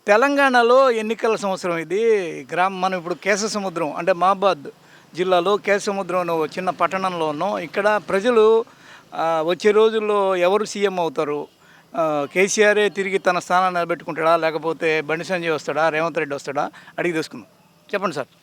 తెలంగాణలో ఎన్నికల సంవత్సరం ఇది. మనం ఇప్పుడు కేశసముద్రం అంటే మహబాద్ జిల్లాలో కేశసముద్రం అనే ఓ చిన్న పట్టణంలో ఉన్నాం. ఇక్కడ ప్రజలు వచ్చే రోజుల్లో ఎవరు సీఎం అవుతారు, కేసీఆరే తిరిగి తన స్థానాన్ని నిలబెట్టుకుంటాడా, లేకపోతే బండి సంజయ్ వస్తాడా, రేవంత్ రెడ్డి వస్తాడా, అడిగి తెలుసుకుందాం. చెప్పండి సార్.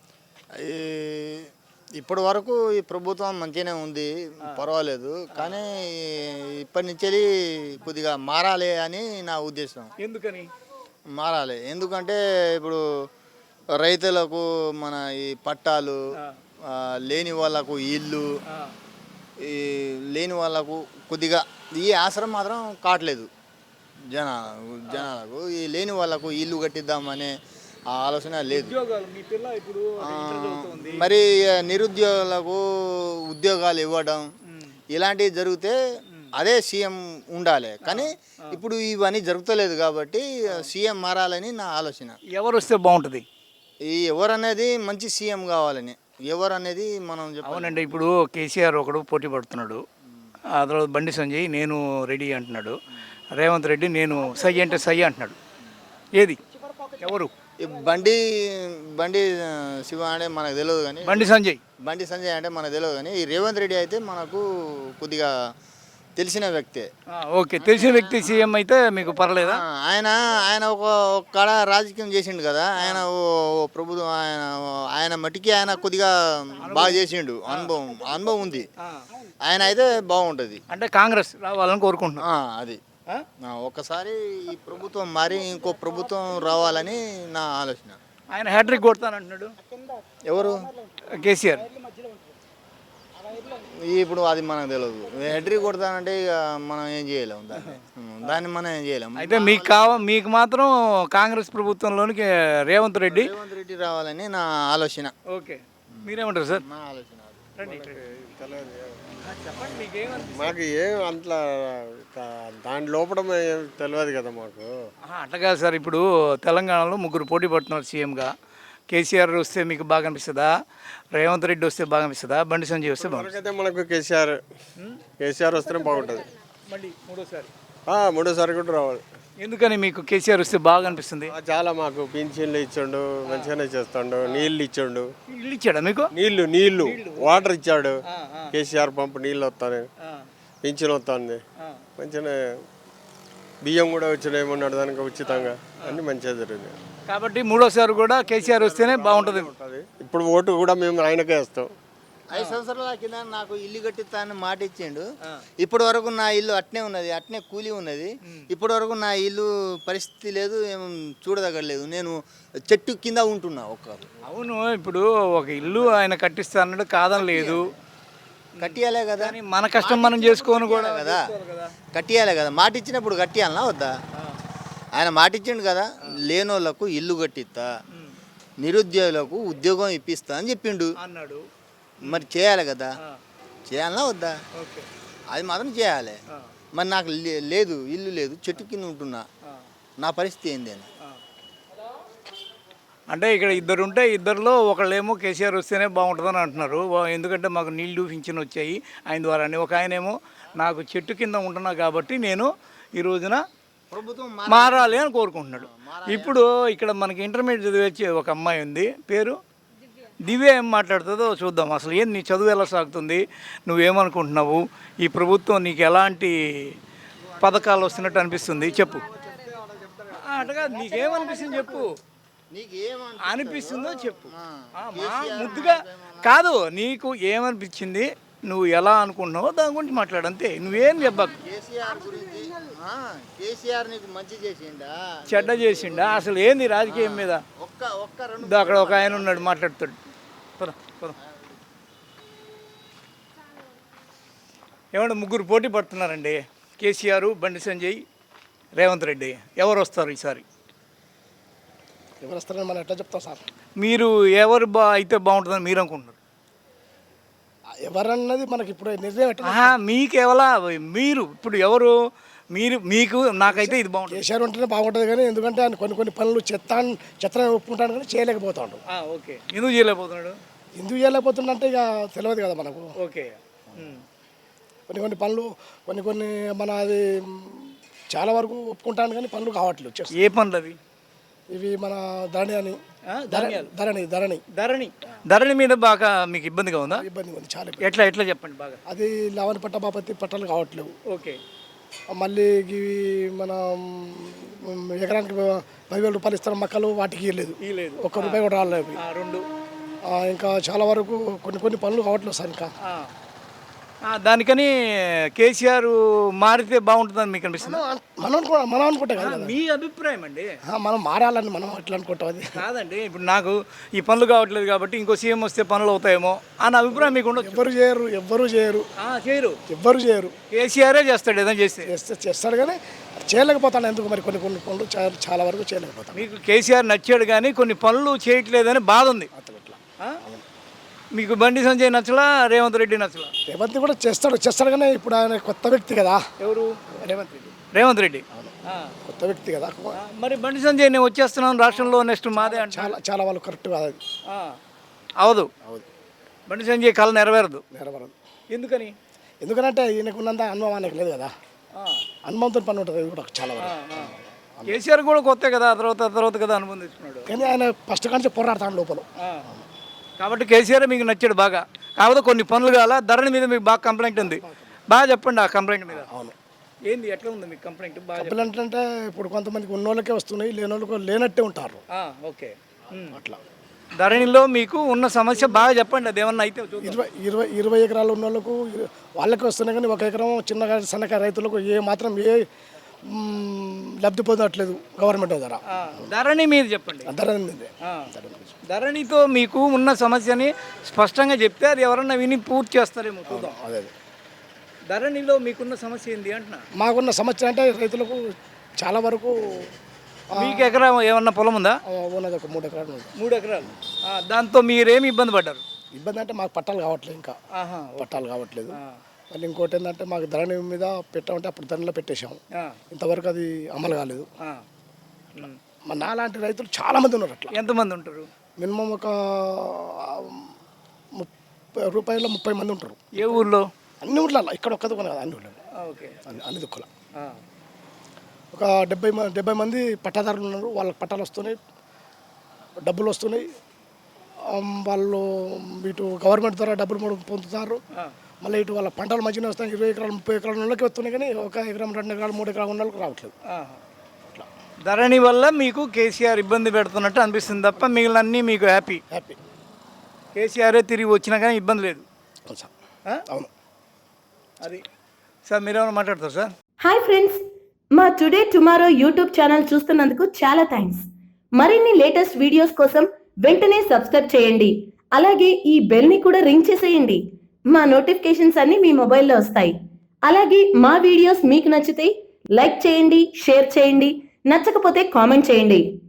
ఇప్పటి వరకు ఈ ప్రభుత్వం మంచిగానే ఉంది, పర్వాలేదు. కానీ ఇప్పటి నుంచి కొద్దిగా మారాలి అని నా ఉద్దేశం. ఎందుకని మారాలి? ఎందుకంటే ఇప్పుడు రైతులకు మన ఈ పట్టాలు, లేని వాళ్ళకు ఇల్లు, ఈ లేని వాళ్ళకు కొద్దిగా ఈ ఆసరం మాత్రం కావట్లేదు జనాలకు. ఈ లేని వాళ్ళకు ఇల్లు కట్టిద్దామనే ఆ ఆలోచన లేదు. మరి నిరుద్యోగులకు ఉద్యోగాలు ఇవ్వడం ఇలాంటివి జరిగితే అదే సీఎం ఉండాలి. కానీ ఇప్పుడు ఇవన్నీ జరుగుతలేదు కాబట్టి సీఎం మారాలని నా ఆలోచన. ఎవరు వస్తే బాగుంటుంది? ఈ ఎవరనేది మంచి సీఎం కావాలని, ఎవరు అనేది మనం అవునండి. ఇప్పుడు కేసీఆర్ ఒకడు పోటీ పడుతున్నాడు, ఆ తర్వాత బండి సంజయ్ నేను రెడీ అంటున్నాడు, రేవంత్ రెడ్డి నేను సై అంటే సై అంటున్నాడు. ఏది ఎవరు? బండి బండి శివ అంటే మనకు తెలియదు, కానీ బండి సంజయ్ అంటే మనకు తెలియదు. కానీ ఈ రేవంత్ రెడ్డి అయితే మనకు కొద్దిగా తెలిసిన వ్యక్తే. ఓకే, తెలిసిన వ్యక్తి సీఎం అయితే మీకు పర్లేదా? ఆయన ఒక కాడ రాజకీయం చేసిండు కదా, ఆయన ప్రభుత్వం ఆయన మట్టికి ఆయన కొద్దిగా బాగా చేసిండు, అనుభవం ఉంది. ఆయన అయితే బాగుంటుంది. అంటే కాంగ్రెస్ రావాలని కోరుకుంటున్నా. అది ఒక్కసారి ఈ ప్రభుత్వం మారి ఇంకో ప్రభుత్వం రావాలని నా ఆలోచన. ఆయన హ్యాట్రిక్ కొడతానంటున్నాడు. ఎవరు? కేసీఆర్. ఇప్పుడు అది మనకు తెలియదు. హ్యాట్రిక్ కొడతానంటే ఇక మనం ఏం చేయలేము, దాన్ని మనం ఏం చేయలేము. అయితే మీకు మాత్రం కాంగ్రెస్ ప్రభుత్వంలోనికి రేవంత్ రెడ్డి రావాలని నా ఆలోచన. ఓకే, మీరేమంటారు సార్? నా ఆలోచన మాకు ఏం అంతలా దాని లోపల తెలియదు కదా మాకు. అట్లా కాదు సార్. ఇప్పుడు తెలంగాణలో ముగ్గురు పోటీ పడుతున్నారు సీఎంగా. కేసీఆర్ వస్తే మీకు బాగా అనిపిస్తుందా, రేవంత్ రెడ్డి వస్తే బాగా అనిపిస్తుందా, బండి సంజయ్ వస్తే బాగుంటుంది? మనకు కేసీఆర్ వస్తేనే బాగుంటుంది. మళ్ళీ మూడోసారి కూడా రావాలి. ఎందుకని మీకు కేసీఆర్ వస్తే బాగా అనిపిస్తుంది? చాలా మాకు పింఛన్లు ఇచ్చాడు, మంచిగానే చేస్తాడు, నీళ్ళు ఇచ్చాడు. ఇల్లు ఇచ్చాడా మీకు? నీళ్ళు వాటర్ ఇచ్చాడు. కేసీఆర్ పంపు నీళ్ళు వస్తాను, పింఛన్ వస్తుంది, మంచిగానే బియ్యం కూడా వచ్చినాయేమన్నాడు దానికి ఉచితంగా, అన్ని మంచిగా జరిగింది. కాబట్టి మూడోసారి కూడా కేసీఆర్ వస్తేనే బాగుంటుంది. ఇప్పుడు ఓటు కూడా మేము ఆయనకే వేస్తాం. 5 సంవత్సరాల కింద నాకు ఇల్లు కట్టిస్తానని మాట ఇచ్చిండు. ఇప్పటి వరకు నా ఇల్లు అట్నే ఉన్నది, అట్నే కూలి ఉన్నది. ఇప్పటి వరకు నా ఇల్లు పరిస్థితి లేదు, ఏం చూడదగలేదు. నేను చెట్టు కింద ఉంటున్నా ఒక్కరు. అవును, ఇప్పుడు ఒక ఇల్లు ఆయన కట్టిస్తానన్నాడు, కాదని లేదు, కట్టియాలే కదా. మన కష్టం మనం చేసుకోను కూడా కదా, కట్టియాలే కదా. మాట ఇచ్చినప్పుడు కట్టియాలనా వద్దా? ఆయన మాట ఇచ్చిండు కదా, లేనోళ్లకు ఇల్లు కట్టిస్తా, నిరుద్యోగులకు ఉద్యోగం ఇప్పిస్తా అని చెప్పిండు అన్నాడు. మరి చేయాలి కదా, చేయాలనా వద్దా? అది మాత్రం చేయాలి. మరి నాకు లేదు, ఇల్లు లేదు, చెట్టు కింద ఉంటున్నా, నా పరిస్థితి ఏంది అని. అంటే ఇక్కడ ఇద్దరు ఉంటే ఇద్దరిలో ఒకళ్ళేమో కేసీఆర్ వస్తేనే బాగుంటుందని అంటున్నారు. ఎందుకంటే మాకు నీళ్లు పింఛన్ వచ్చాయి ఆయన ద్వారానే. ఒక ఆయనేమో నాకు చెట్టు కింద ఉంటున్నా కాబట్టి నేను ఈ రోజున ప్రభుత్వం మారాలి అని కోరుకుంటున్నాడు. ఇప్పుడు ఇక్కడ మనకి ఇంటర్మీడియట్ చదివే ఒక అమ్మాయి ఉంది, పేరు దివ్య. ఏం మాట్లాడుతుందో చూద్దాం. అసలు ఏం నీ చదువు ఎలా సాగుతుంది, నువ్వేమనుకుంటున్నావు, ఈ ప్రభుత్వం నీకు ఎలాంటి పథకాలు వస్తున్నట్టు అనిపిస్తుంది, చెప్పు. అటగా నీకేమనిపిస్తుంది చెప్పు, అనిపిస్తుందో చెప్పు. ముద్దుగా కాదు, నీకు ఏమనిపించింది, నువ్వు ఎలా అనుకుంటున్నావో దాని గురించి మాట్లాడు, అంతే. నువ్వేం చెప్పకు. కేసీఆర్ నీకు మంచి చేసిండా చెడ్డ చేసిండా, అసలు ఏంది రాజకీయం మీద? అక్కడ ఒక ఆయన ఉన్నాడు, మాట్లాడుతాడు. ఏమంటే ముగ్గురు పోటీ పడుతున్నారండి, కేసీఆర్, బండి సంజయ్, రేవంత్ రెడ్డి. ఎవరు వస్తారు ఈసారి? ఎవరు వస్తారని మనం ఎట్లా చెప్తాం సార్? మీరు ఎవరు అయితే బాగుంటుందని మీరు అనుకుంటున్నారు? ఎవరన్నది మనకి ఇప్పుడు నిర్ణయం ఎట్లా? మీకెవలా మీరు ఇప్పుడు ఎవరు మీకు నాకైతే ఇది బాగుంటుంది. కేసీఆర్ ఉంటేనే బాగుంటుంది, కానీ ఎందుకంటే ఆయన కొన్ని పనులు చెత్త ఒప్పుకుంటాడు కానీ చేయలేకపోతాడు. ఓకే, ఎందుకు చేయలేకపోతున్నాడు? ఎందుకు చేయలేకపోతుందంటే ఇక తెలియదు కదా మనకు. ఓకే, కొన్ని పనులు మన అది చాలా వరకు ఒప్పుకుంటాను కానీ పనులు కావట్లేదు. ఏ పనులు అవి? ఇవి మన ధరణి అని ధాన్యాలు ధరణి మీద బాగా మీకు ఇబ్బందిగా ఉందా? ఇబ్బంది ఉంది, చాలా ఇబ్బంది. ఎట్లా చెప్పండి బాగా. అది లవణ పట్ట బాపత్తి పట్టాలు కావట్లేవు. ఓకే. మళ్ళీ ఇవి మన ఎకరానికి 10,000 రూపాయలు ఇస్తారు మక్కలు, వాటికి ఇవ్వలేదు, ₹1 కూడా రాలేదు. రెండు ఇంకా చాలా వరకు కొన్ని పనులు కావట్లేదు సార్. ఇంకా దానికని కేసీఆర్ మారితే బాగుంటుందని మీకు అనిపిస్తుంది? మనం అనుకుంటాం కదా, మీ అభిప్రాయం అండి. మనం మారాలని మనం ఎట్లా అనుకుంటాం? అది కాదండి, ఇప్పుడు నాకు ఈ పనులు కావట్లేదు కాబట్టి ఇంకో సీఎం వస్తే పనులు అవుతాయేమో అన్న అభిప్రాయం మీకు ఉండదు. ఎవ్వరు చేయరు. కేసీఆరే చేస్తాడు ఏదైనా చేస్తాడు కానీ చేయలేకపోతాను. ఎందుకు మరి కొన్ని పనులు చాలా వరకు చేయలేకపోతాను. మీకు కేసీఆర్ నచ్చాడు కానీ కొన్ని పనులు చేయట్లేదని బాధ ఉంది. మీకు బండి సంజయ్ నచ్చలా, రేవంత్ రెడ్డి నచ్చలా? రేవంత్ కూడా చేస్తాడు కానీ ఇప్పుడు ఆయన కొత్త వ్యక్తి కదా. ఎవరు? రేవంత్ రెడ్డి కొత్త వ్యక్తి కదా. మరి బండి సంజయ్ నేను వచ్చేస్తున్నాను రాష్ట్రంలో నెక్స్ట్ మాదే అంటే చాలా వాళ్ళు కరెక్ట్ కాదు. అది అవదు. బండి సంజయ్ కళ నెరవేరదు. ఎందుకంటే ఈయనకున్నంత అనుభవం ఆయనకు లేదు కదా. అనుభవంతో పని ఉంటుంది కూడా చాలా వరకు. కేసీఆర్ కూడా కొత్త కదా, తర్వాత కదా అనుభవం తీసుకున్నాడు. కానీ ఆయన ఫస్ట్ కానీ పోరాడతాడు లోపల. కాబట్టి కేసీఆర్ మీకు నచ్చాడు బాగా. కాకపోతే కొన్ని పనులు కావాలా. ధరణి మీద మీకు బాగా కంప్లైంట్ ఉంది. బాగా చెప్పండి ఆ కంప్లైంట్ మీద. అవును, ఏంది ఎట్లా ఉంది మీకు కంప్లైంట్? కంప్లైంట్ అంటే ఇప్పుడు కొంతమందికి ఉన్నోళ్ళకే వస్తున్నాయి, లేనోళ్ళకి లేనట్టే ఉంటారు. ఓకే. అట్లా ధరణిలో మీకు ఉన్న సమస్య బాగా చెప్పండి. అది ఏమన్నా అయితే 20 ఎకరాలు ఉన్న వాళ్ళకు వాళ్ళకి వస్తున్నాయి కానీ 1 ఎకరం చిన్నగా సన్నకారు రైతులకు ఏ లబ్ధి పొందట్లేదు గవర్నమెంట్ ద్వారా. ధరణి మీద చెప్పండి. ధరణితో మీకు ఉన్న సమస్యని స్పష్టంగా చెప్తే అది ఎవరన్నా విని పూర్తి చేస్తారేమో చూద్దాం. అదే ధరణిలో మీకున్న సమస్య ఏంటి అంటున్నా? మాకున్న సమస్య అంటే రైతులకు చాలా వరకు. మీకు ఎకరం ఏమన్నా పొలం ఉందా? ఉన్నది ఒక 3 ఎకరాలు. 3 ఎకరాలు. దాంతో మీరేమి ఇబ్బంది పడ్డారు? ఇబ్బంది అంటే మాకు పట్టాలు కావట్లేదు. ఇంకా పట్టాలు కావట్లేదు. మళ్ళీ ఇంకోటి ఏంటంటే మాకు ధరణి మీద పెట్టామంటే అప్పుడు ధరణిలో పెట్టేశాము. ఇంతవరకు అది అమలు కాలేదు. నాలాంటి రైతులు చాలా మంది ఉన్నారు. అట్లా ఎంతమంది ఉంటారు? మినిమం ఒక ₹30 30 మంది ఉంటారు. ఏ ఊర్లో? అన్ని ఊర్లలో. ఇక్కడ ఒక్క దుకాణం కదా, అన్ని ఊళ్ళలో. అన్ని దుక్కుల ఒక 70 మంది పట్టాదారులు ఉన్నారు. వాళ్ళకి పట్టాలు వస్తున్నాయి, డబ్బులు వస్తున్నాయి. వాళ్ళు ఇటు గవర్నమెంట్ ద్వారా డబ్బులు పొందుతారు. మళ్ళీ ఇటు వాళ్ళ పంటలు మంచిగా వస్తాయి. 20 ఎకరాలు 30 ఎకరాల వాళ్ళకి వస్తున్నాయి కానీ 1 ఎకరం 2 ఎకరాలు 3 ఎకరాలు ఉన్న వాళ్ళకి రావట్లేదు. ధరణి వల్ల మీకు కేసీఆర్ ఇబ్బంది పెడుతున్నట్టు అనిపిస్తుంది తప్ప మిగిలినన్నీ మీకు హ్యాపీ. కేసీఆరే తిరిగి వచ్చినా కానీ ఇబ్బంది లేదు. అవును. అది సార్ మీరేమైనా మాట్లాడతారు సార్? హాయ్ ఫ్రెండ్స్, మా టుడే టుమారో యూట్యూబ్ ఛానల్ చూస్తున్నందుకు చాలా థ్యాంక్స్. మరిన్ని లేటెస్ట్ వీడియోస్ కోసం వెంటనే సబ్స్క్రైబ్ చేయండి. అలాగే ఈ బెల్ని కూడా రింగ్ చేసేయండి. మా నోటిఫికేషన్స్ అన్ని మీ మొబైల్లో వస్తాయి. అలాగే మా వీడియోస్ మీకు నచ్చితే లైక్ చేయండి, షేర్ చేయండి, నచ్చకపోతే కామెంట్ చేయండి.